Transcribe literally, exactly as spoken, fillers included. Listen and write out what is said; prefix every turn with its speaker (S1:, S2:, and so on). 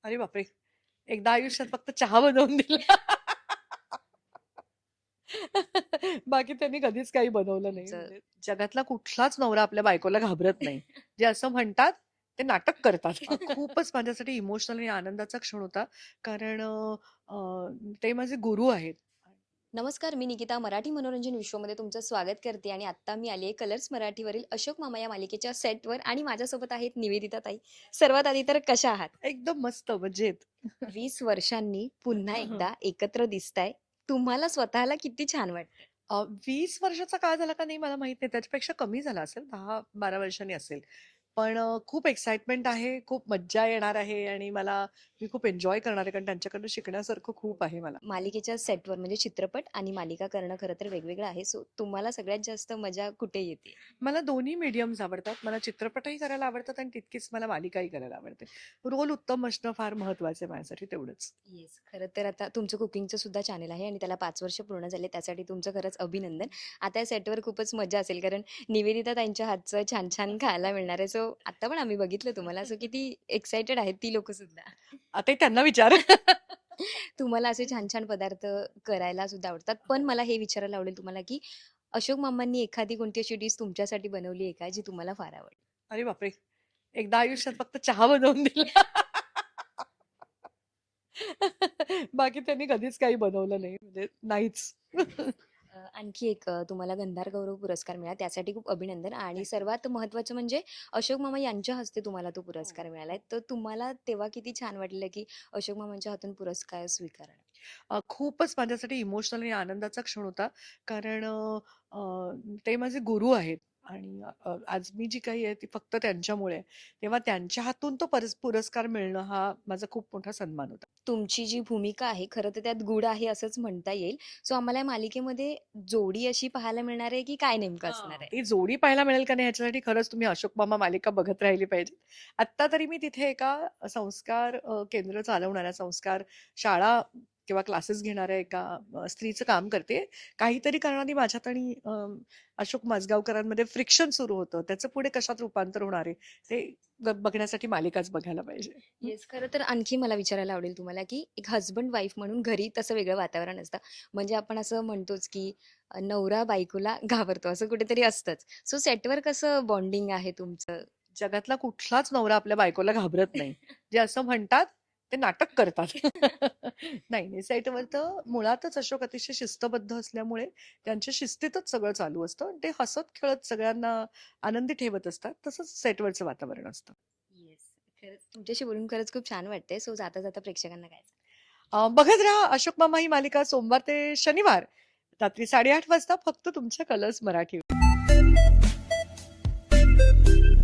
S1: अरे बापरे! एकदा आयुष्यात फक्त चहा बनवून दिला. बाकी त्यांनी कधीच काही बनवलं नाही.
S2: तुमचं
S1: म्हणजे जगातला कुठलाच नवरा आपल्या बायकोला घाबरत नाही. जे असं म्हणतात ते नाटक करतात. अ, खूपच माझ्यासाठी इमोशनल आणि आनंदाचा क्षण होता. कारण अ, अ, ते माझे गुरु आहेत.
S2: नमस्कार, मी निकिता मराठी मनोरंजन विश्वमध्ये तुमचं स्वागत करते आणि आत्ता मी आली आहे कलर्स मराठीवरील अशोक मामा या मालिकेच्या सेटवर आणि माझ्यासोबत आहेत निवेदिता ताई. सर्वात आधी तर कशा आहात?
S1: एकदम मस्त मजेत.
S2: वीस वर्षांनी पुन्हा
S1: हं.
S2: एकदा एकत्र दिसताय. तुम्हाला स्वतःला किती छान वाटतंय?
S1: अ, वीस वर्षाचा काळ झाला का नाही मला माहीत नाही. त्याच्यापेक्षा कमी झाला असेल. दहा बारा वर्षांनी असेल. पण अ, खूप एक्साइटमेंट आहे, खूप मज्जा येणार आहे आणि मला मी खूप एन्जॉय करणार आहे. कारण त्यांच्याकडनं शिकण्यासारखं खूप आहे मला.
S2: मालिकेच्या सेटवर म्हणजे चित्रपट आणि मालिका करणं खरं तर वेगवेगळं आहे. सो तुम्हाला सगळ्यात जास्त मजा कुठे येते?
S1: मला दोन्ही मीडियम्स आवडतात. मला चित्रपटही करायला आवडतात आणि तितकीच मला मालिकाही करायला आवडते. रोल उत्तम असणं फार महत्वाचं आहे माझ्यासाठी तेवढंच.
S2: येस. खरं तर आता तुमचं कुकिंगचं सुद्धा चॅनल आहे आणि त्याला पाच वर्ष पूर्ण झाले. त्यासाठी तुमचं खरंच अभिनंदन. आता या सेटवर खूपच मजा असेल कारण निवेदिता त्यांच्या हातचं छान-छान खायला मिळणार आहे. सो आता पण आम्ही बघितलं तुम्हाला. सो किती एक्साइटेड आहेत ती लोकं सुद्धा.
S1: आताही त्यांना विचार.
S2: तुम्हाला असे छान-छान पदार्थ करायला सुद्धा आवडतात. पण मला हे विचारायला आवडेल तुम्हाला, की अशोक मामांनी एखादी कोणती अशी डिश तुमच्यासाठी बनवली आहे का, जी तुम्हाला फार आवडली?
S1: अरे बापरे! एकदा आयुष्यात फक्त चहा बनवून दिला. बाकी त्यांनी कधीच काही बनवलं नाही. म्हणजे नाहीच.
S2: अ, आणखी एक अ, तुम्हाला गंधार गौरव पुरस्कार मिळाला त्यासाठी खूप अभिनंदन आणि सर्वात महत्त्वाचं म्हणजे अशोक मामा यांच्या हस्ते तुम्हाला तो
S1: हो.
S2: पुरस्कार मिळाला तर तुम्हाला तेव्हा किती छान वाटलेलं, की अशोक मामांच्या हातून पुरस्कार स्वीकारणं?
S1: अ, खूपच माझ्यासाठी इमोशनल आणि आनंदाचा क्षण होता. कारण अ, अ, ते माझे गुरु आहेत आणि अ, आज मी जी काही आहे ती फक्त त्यांच्यामुळे आहे. तेव्हा त्यांच्या हातून तो परस पुरस्कार मिळणं हा माझा खूप मोठा सन्मान होता.
S2: तुमची जी भूमिका आहे खरं तर त्यात गूढ आहे असंच म्हणता येईल. सो आम्हाला या मालिकेमध्ये जोडी अशी पाहायला मिळणार आहे, की काय नेमकं असणार
S1: हां.
S2: आहे?
S1: ती जोडी पाहायला मिळेल का नाही ह्याच्यासाठी खरंच तुम्ही अशोक मामा मालिका बघत राहिली पाहिजे. आत्ता तरी मी तिथे एका संस्कार अ, केंद्र चालवणाऱ्या संस्कार शाळा किंवा क्लासेस घेणाऱ्या एका अ, स्त्रीचं काम करते. काहीतरी कारणाने माझ्यात आणि अ, अशोक माजगावकरांमध्ये फ्रिक्शन सुरू होतं. त्याचं पुढे कशात रूपांतर होणार आहे ते ब बघण्यासाठी मालिकाच बघायला पाहिजे. हं.
S2: येस. खरं तर आणखी मला विचारायला आवडेल तुम्हाला, की एक हसबंड वाईफ म्हणून घरी तसं वेगळं वातावरण असतं. म्हणजे आपण असं म्हणतोच, की अ, नवरा बायकोला घाबरतो असं कुठेतरी असतंच. सो सेटवर कसं बॉन्डिंग आहे तुमचं?
S1: जगातला कुठलाच नवरा आपल्या बायकोला घाबरत नाही. जे असं म्हणतात ते नाटक करतात. नाही, नाही सेटवर तर मुळातच अशोक अतिशय शिस्तबद्ध असल्यामुळे त्यांच्या शिस्तीतच सगळं चालू असतं. आणि ते हसत-खेळत सगळ्यांना आनंदी ठेवत असतात. तसंच सेटवरचं वातावरण असतं.
S2: येस. खरंच तुमच्याशी बोलून खरंच खूप छान वाटतंय. सो जाता-जाता प्रेक्षकांना काय सांगाल?
S1: अ, बघत राहा अशोक मामा ही मालिका सोमवार ते शनिवार रात्री साडे आठ वाजता फक्त तुमच्या कलर्स मराठी